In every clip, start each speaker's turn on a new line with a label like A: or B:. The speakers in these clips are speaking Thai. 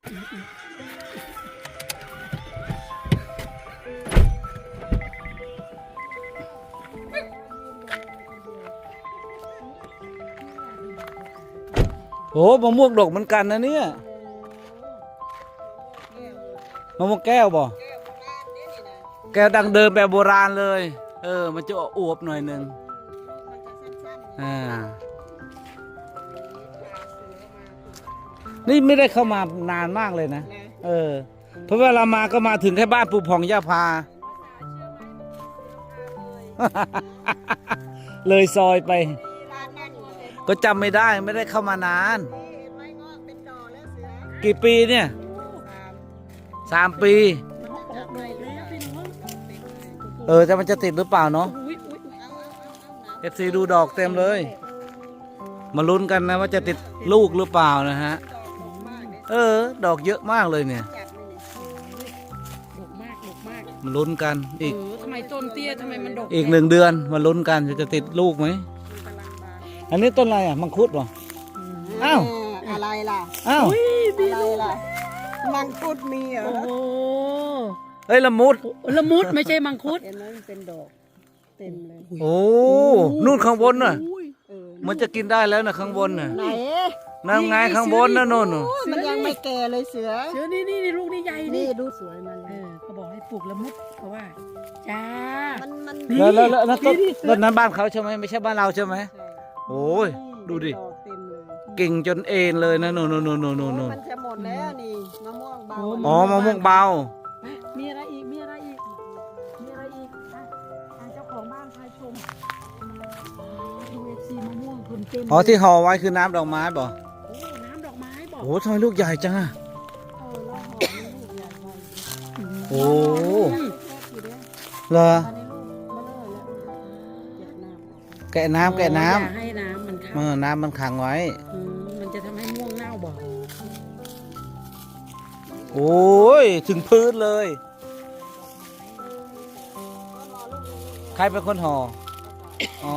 A: โอ้มะม่วงดกเหมือนกันนะเนี่ยมะม่วงแก้วบ่แก้วดังเดิมแบบโบราณเลยมันจะอวบหน่อยหนึ่งนี่ไม่ได้เข้ามานานมากเลยนะเพราะว่าเรามาก็มาถึงแค่บ้านปู่ผ่องย่าพาเลยซอยไปก็จำไม่ได้เข้ามานานกี่ปีเนี่ย3 ปีแต่มันจะติดหรือเปล่าเนาะFCดูดอกเต็มเลยมาลุ้นกันนะว่าจะติดลูกหรือเปล่านะฮะดอกเยอะมากเลยเนี่ยมาลุ้นกันอีก
B: ทำไมต้นเตี้ยทำไมมันดก
A: อีก1 เดือนมาลุ้นกันจะติดลูกไหมอันนี้ต้นอะไรอ่ะมังคุดเหรออ้าว
C: อะไรล่ะ
A: อ้าว
C: อะไรล่ะมังคุดมีเหรอ
A: ละมุด
B: ไม่ใช่มังคุด
C: เห็นไหมมันเป็นดอกเต็มเลย
A: โอ้นู่นข้างบนน่ะมันจะกินได้แล้วนะข้างบนน่ะ
C: ไหน
A: นั่นไงข้างบนนะโน่น
C: มันยังไม่แก่เลยเสือ
B: นี่ลูกนี่ใหญ่
C: นี่ดูสวยมัน
B: เขาบอกให้ปลูกละมุดเพราะว่าจ้า
A: แล้วต้นนั้นบ้านเขาใช่ไหมไม่ใช่บ้านเราใช่ไหมโอ้ยดูดิกิ่งจนเอ็นเลยนะโน่น
C: มันจะหมดแล้วนี่มะม่วงเบา
A: อ๋อมะม่วงเบา
B: มีอะไรอีกเจ้าของบ้านพาชมดูFCมะม่วงคุณเต็ม
A: อ๋อที่ห่อไว้คือน้ำดอกไม้บ่
B: น้ำดอกไม้บ่
A: โอ้ทำไมลูกใหญ่จังอ่ะโอ้เหรอแกะน้ำ
B: ให้น้ำมันขัง
A: น้ำมันขังไว้
B: มันจะทำให้ม่วงเน่าบ่
A: โอ้ยถึงพื้นเลยใครเป็นคนห่ออ๋อ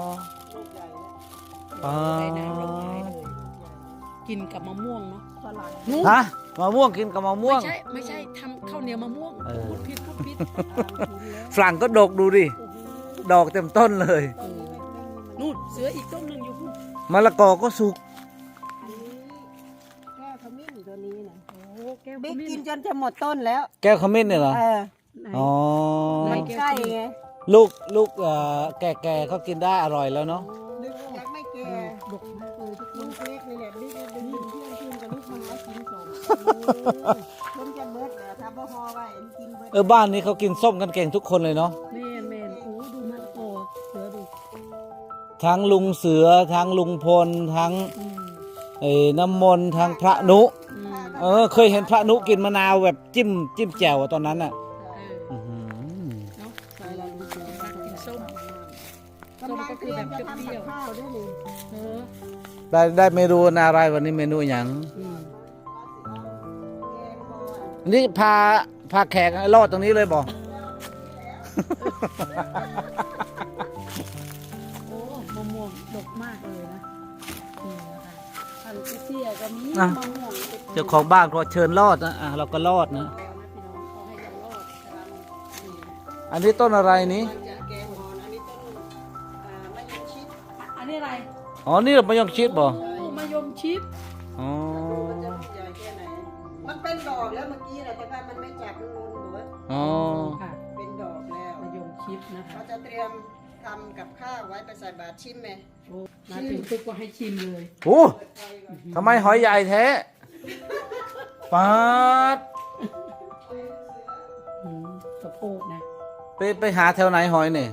B: กินกับมะม่วงเนาะ
A: ฮะมะม่วงกินกับมะม่วง
B: ไม่ใช่ทำข้าวเหนียวมะม่วงพูดผิด
A: ฝรั่งก็ดกดูดิดอกเต็มต้นเลย
B: นู่นเสืออีกต้นหนึ่งอยู่พุ่น
A: มะละกอก็สุก
C: แก้วขมิ้นตัวนี้นะบิ๊กกินจนจะหมดต้นแล้ว
A: แก้วขมิ้นเนี่ยเหรออ๋อ
C: มันใกล้ไง
A: ลูกแก่เขากินได้อร่อยแล้วเนาะ
C: ยังไม่แก่ดกมากเลยทุกคนเล็กนี่แหละบิ๊กดึงเพื่อนกินกับลูกมันแล้วกินสมต้นจะเบิดแต่ถ้าบ่ฮอไว้กินเบิด
A: บ้านนี้เขากินส้มกันเก่งทุกคนเลยเนาะ
B: แม่โอ้ดูมันโตเสือดู
A: ทั้งลุงเสือทั้งลุงพลทั้งน้ำมนต์ทั้งพระนุเคยเห็นพระนุกินมะนาวแบบจิ้มแจ่วตอนนั้นอ่ะ
B: ก็คือแบบเปรี้ยว
A: ได้เมนูอะไรวันนี้เมนูอย่างนี่พาแขกรอดตรงนี้เลยบอก
B: โอ้มะม่วงดกมากเลยนะพันธุ์เตี้ยก็มีมะม่วง
A: เจ้าของบ้านก็เชิญรอดนะเราก็รอดนะอันนี้ต้นอะไรนี้
B: อันนี้อะไร
A: อ๋อนี่มะยงชิดบ่
B: มะยงชิด
A: อ๋อ
C: มันเป็นดอกแล้วเมื่อกี้แต่ว่ามันไม่จับมันนูนหมด
A: อ๋อ
C: เป็นดอกแล้ว
B: มะยงชิดนะคะ
C: เขาจะเตรียมทำกับข้าวไว้ไปใส่บาตรชิมไหม
B: มาถึงปุ๊บก็ให้ชิมเลย
A: โอ้ทำไมหอยใหญ่แท้ป๊าด
B: สะโพกนะ
A: ไปหาแถวไหนหอยเนี่ย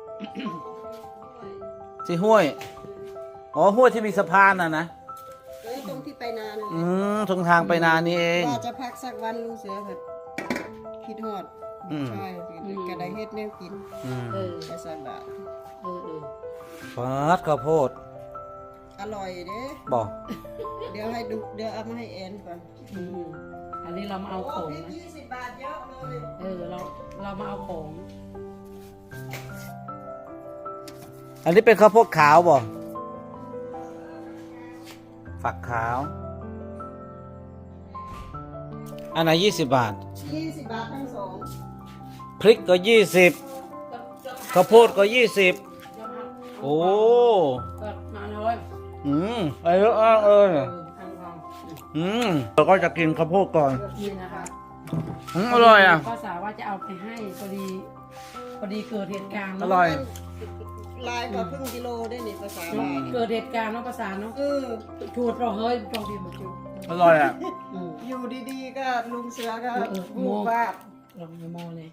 A: ที่ห้วยอ๋อห้วยที่มีสะพานนะ
C: ตรงที่ไปนา
A: ตรงทางไปนานี่เอง
C: ว่าจะพักสักวันลุงเสือแบบคิดฮอดใช่กระไดเฮ็ดแนวกินไปใส่บาตร
A: ป๊าดข้าวโพด
C: อร่อยเด้
A: บอก
C: เดี๋ยวเอามาให้แอนก่อน
B: อันนี้เรามาเอาของนะ
C: 20 บาทเยอะเลย
B: เรามาเอาของ
A: อันนี้เป็นข้าวโพดขาวบ่ฝักขาวอันไหน20 บาท
C: 20 บาททั้งสอง
A: พริกก็20ข้าวโพดก็20โอ้
B: ก็มาเลย
A: อะไรเยอะมากเลยเราก็จะกินข้าวโพดก่อน
B: นี่นะคะ
A: อร่อยอ่ะ
B: ภาษาว่าจะเอาไปให้พอดีเกิดเหตุการณ์
A: อ
B: เนาะ
A: ร่อย
C: ลายกว่าครึ่งกิโลได้นี่ภาษาลาว
B: เกิดเหตุการณ์เนาะภาษาเนาะชูดเราเฮ้ยตรงที่มันจู
A: อร่อยอ่ะ
C: อยู่ดีๆก็ลุงเสือก็
B: โม
C: บูบว่าบ
B: ลองโมเลย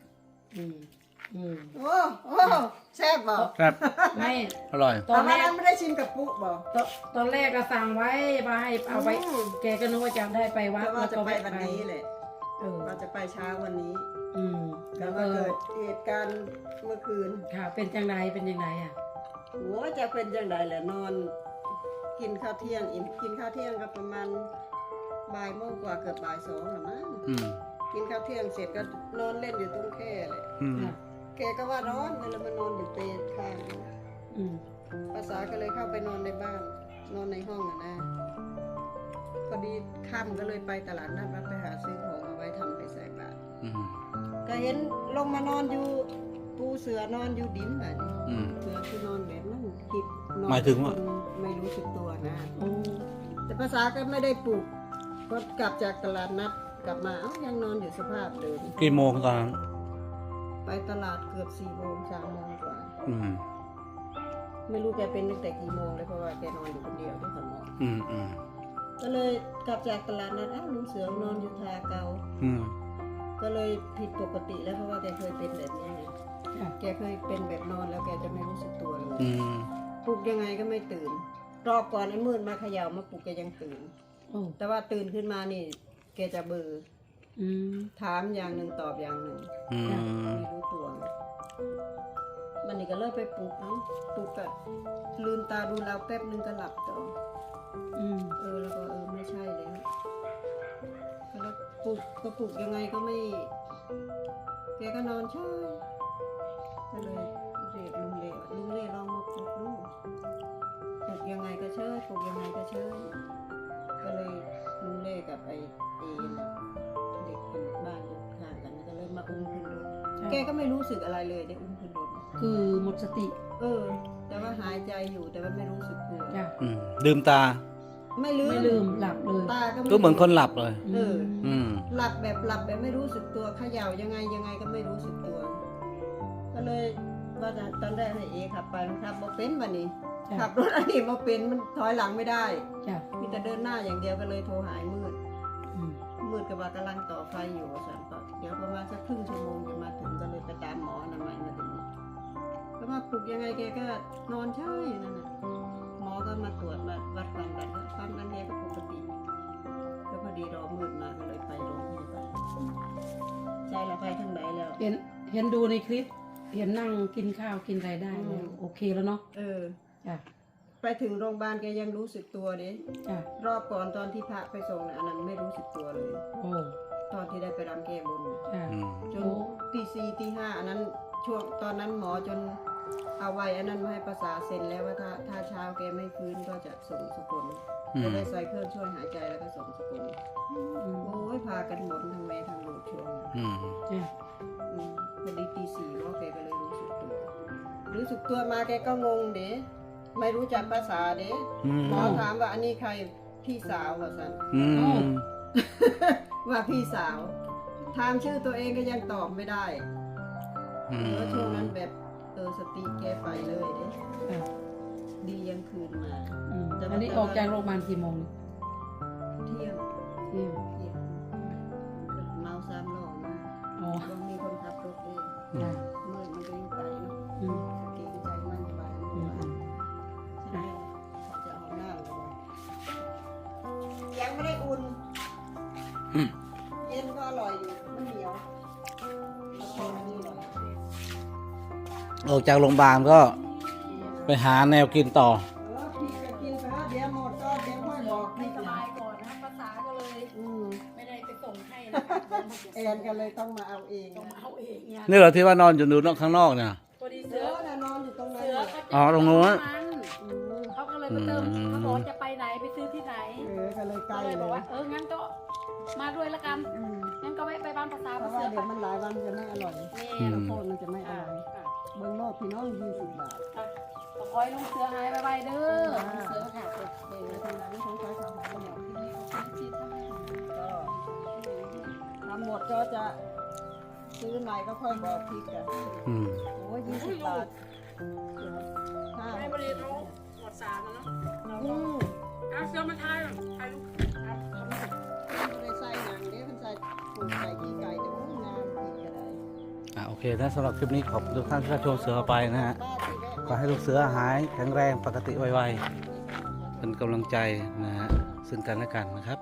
C: โอ้แซ่บบ่
A: ครับ
B: ไม่
A: อร่อย
B: ตอนแร
C: นั้น
B: ก
C: ไม่ได้ชิมกับปุ๊บ่
B: ตอนแรกก็สั่งไว้มาให้เอาไปแกก็นึกว่าจะได้ไปวัด
C: แต่ว่า
B: แล้ว
C: จะ
B: ก็
C: ไป
B: แวะ
C: วัน
B: ไป
C: นี้แหละ ว่าจะไปเช้าวันนี้
B: แล้
C: แล้ว ว
B: ก็
C: ก็เกิดเหตุการณ์เมื่อคืน
B: ค่ะเป็นจังไรอ่ะ
C: โอ้จะเป็นจังไดแหละนอน กินข้าวเที่ยงอิ่มกินข้าวเที่ยงก็ประมาณบ่ายโมงกว่าเกือบบ่าย2หรือมั้ง
A: อืม
C: กินข้าวเที่ยงเสร็จก็นอนเล่นอยู่ตรงแคร่เลย
A: อืม
C: แกก็ว่าร้อนเลยมานอนอยู่เปรข้าง ภาษาก็เลยเข้าไปนอนในบ้าน นอนในห้องนะพอดีค่ำก็เลยไปตลาดนัดไปหาซื้อของมาไว้ทำไปใส่บาตร
A: อืม
C: ก็เห็นลงมานอนอยู่ปูเสือนอนอยู่ดินแบบนี้
A: อืม
C: เสือคือนอนแบบนั้นคิดนอน
A: หมายถึงว่า
C: ไม่รู้สึกตัวนะ แต่ภาษาก็ไม่ได้ปลุกก็กลับจากตลาดนัดกลับมาเอ้ายังนอนอยู่สภาพเดิม
A: กี่โมงตอนนั้น
C: ไปตลาดเกือบ4 โมง3 โมงกว่า
A: อืม
C: ไม่รู้แกเป็นตั้งแต่กี่โมงเลยเพราะว่าแกนอนอยู่คนเดียวที่สมอง
A: อืมอืม
C: ก็เลยกลับจากตลาดนัดอ้าวลุงเสือนอนอยู่ทาเกา
A: อืม
C: ก็เลยผิดปกติแล้วเพราะว่าแกเคยเป็นแบบนี้ไงแกเคยเป็นแบบนอนแล้วแกจะไม่รู้สึกตัวเลย
A: อืม
C: ปลุกยังไงก็ไม่ตื่นรอบก่อนไอ้มืดมาเขย่ามาปลุกแกยังตื่น แต่ว่าตื่นขึ้นมานี่แกจะเบลอถามอย่างหนึ่งตอบอย่างหนึ่ง
A: อืม
C: ไม่รู้ตัวมันนี่ก็เลิกไปปลุกเนาะปลุกก็ลืมตาดูเราแป๊บนึงก็หลับต่อแล้วก็ไม่ใช่แล้วแล้วปลุกก็ปลุกยังไงก็ไม่แกก็นอนเฉยก็เลยเรียกลุงเล่ลองมาปลุกดูปลุกยังไงก็เฉยปลุกยังไงก็เฉยก็เลยลุงเล่กับไอ้เอ็นเด็กเป็นบ้านอยู่ข้างกันก็เลยมาอุ้มขึ้นรถแกก็ไม่รู้สึกอะไรเลยได้อุ้มขึ้นรถ
B: คือหมดสติ
C: แต่ว่าหายใจอยู่แต่ว่าไม่รู้สึกตัว
B: จ้ะ
A: อืมลืมตา
C: ไม่ลื
B: ไม่ลืมหลับเลย
C: ตาก็
A: ก็เหมือนคนหลับเลย อืม
C: หลับแบบไม่รู้สึกตัวเขย่ายังไงก็ไม่รู้สึกตัว ก็เลยว่าตอนแรกให้เอขับไปมันขับบ่เป็นวันนี้ ขับรถอันนี้บ่เป็นมันถอยหลังไม่ได้
B: จ้ะ
C: มีแต่เดินหน้าอย่างเดียวก็เลยโทรหายมืดกับว่ากำลังต่อไฟอยู่สันก็เดี๋ยวประมาณสักครึ่งชั่วโมงจะมาถึงก็เลยไปตามหมออนามัยมาถึงก็มาปลุกยังไงแกก็นอนเฉยอยู่นั่นน่ะหมอก็มาตรวจมาวัดความดันแกก็ปกติก็พอดีรอมืดมาก็เลยไปโรงพยาบาลใจเราไปทางไหนแล้ว
B: เห็นดูในคลิป เห็นนั่งกินข้าวกินอะไรได้แล้วโอเคแล้วเนาะจ้ะ
C: ไปถึงโรงพยาบาลแกยังรู้สึกตัวเด้
B: จ้ะ
C: รอบก่อนตอนที่พระไปส่งน่ะอันนั้นไม่รู้สึกตัวเลย
B: โอ้
C: ตอนที่ได้ไปรำแก้บน
B: จ้ะ
A: อืม
C: จนตี4ตี5อันนั้นช่วงตอนนั้นหมอจนเอาไว้อันนั้นมาให้ประสาเซ็นแล้วว่าถ้าเช้าแกไม่ฟื้นก็จะส่งสกุล
A: อื
C: ก็
A: ม
C: ได้ใส่เครื่องช่วยหายใจแล้วก็ส่งสกุลโอ้ยพากันหมดทั้งแม่ทั้งลูกช่วง
A: อืม
B: จ้ะ
C: พอดีตี 4ว่าแกก็เลยรู้สึกตัวมาแกก็งงเด้ไม่รู้จักภาษาเด้
A: อืม
C: หมอถามว่าอันนี้ใครพี่สาวว่าสัน
A: อืม
C: ว่าพี่สาวถามชื่อตัวเองก็ยังตอบไม่ได้
A: อืม
C: แล้วช่วงนั้นแบบสติแกไปเลยเด้
B: จ้ะ
C: ดียังคืนมา
B: อันนี้ออกจากโรงพยาบาลกี่โมง
C: เที่ยง
B: เที่ยง
C: เมา3 รอบมา
B: อ๋อ
C: ต้องมีคนขับรถเอง
B: จ้ะ
C: เมื่อมันก็อยู่ไกลเนาะ
B: อืม
C: เกรงใจมันอยู่บ้าน
B: อืม
C: ใช่เขาจะเอาหน้าเลยว่ายังไม่ได้อุ่น
A: อืม
C: เย็นก็อร่อยอยู่มันเหนียวแล้วก็อันนี้อร่อย
A: ออกจากโรงพยาบาลก็ไปหาแนวกินต่อ
C: พี่ก็กินไปแล้วเดี๋ยวหมดก็เดี๋ยวค่อยบอกพี่
B: ส
C: นะ
B: บายก่อนนะภาษาก็เลย ไม่ได้ไปส่งให้นะคะ
C: แอนก็เลยต้องมาเอาเอง
B: ต้องเอาเองเนี่ย
A: นี่เหรอที่ว่านอนอยู่ดูนอกข้างนอกเนี่ย
B: พอดี
C: เสื
B: เสื
C: อ
B: อ
C: น่ะนอนอยู่ตรงนั้น
B: เสือ
C: น่ะ
B: เขา
A: อ๋อตรงนู้น
B: เขาก็เลยมาเติมเขาบอกจะไปไหนไปซื้อที่ไหน
C: ก็เลยใกล้
B: ก็เลย
C: เล
B: บอก
C: ย
B: ว่างั้นก็มาด้วยละกันงั้นก็ไปบ้านภาษา
C: เพ
B: ภา
C: ราะ
B: ษา
C: ว่าเดี๋ยวมันหลายวันจะไม่อร่อย
B: นี่
C: ข้าวโพดมันจะไม่อร่อยเบิ้งโลดพี่น้อง20 บาท
B: ขอคอยลุงเสือหายไปเด้อลุงเสือค่ะเดี๋ยว
C: ในทางนั้นของคอยทำหมดก็ทำหมดก็จะซื้อใหม่ก็ค่อยบอกพริกกัน
A: อืม
C: โอ้ย20 บาท5
B: ให้บริโภคหมด3แล้วเนาะ
C: อืม
B: เอาเสือมาทายทายลูก
C: ไม่ได้ใส่หนังเด้มันใส่ปูใส่ขี้ไก่จะงามพริกก็ได้
A: โอเคนะสำหรับคลิปนี้ขอบคุณทุกท่านที่รับชมเสือพาไปนะฮะขอให้ลูกเสือหายแข็งแรงปกติไวๆเป็นกำลังใจนะฮะซึ่งกันและกันนะครับ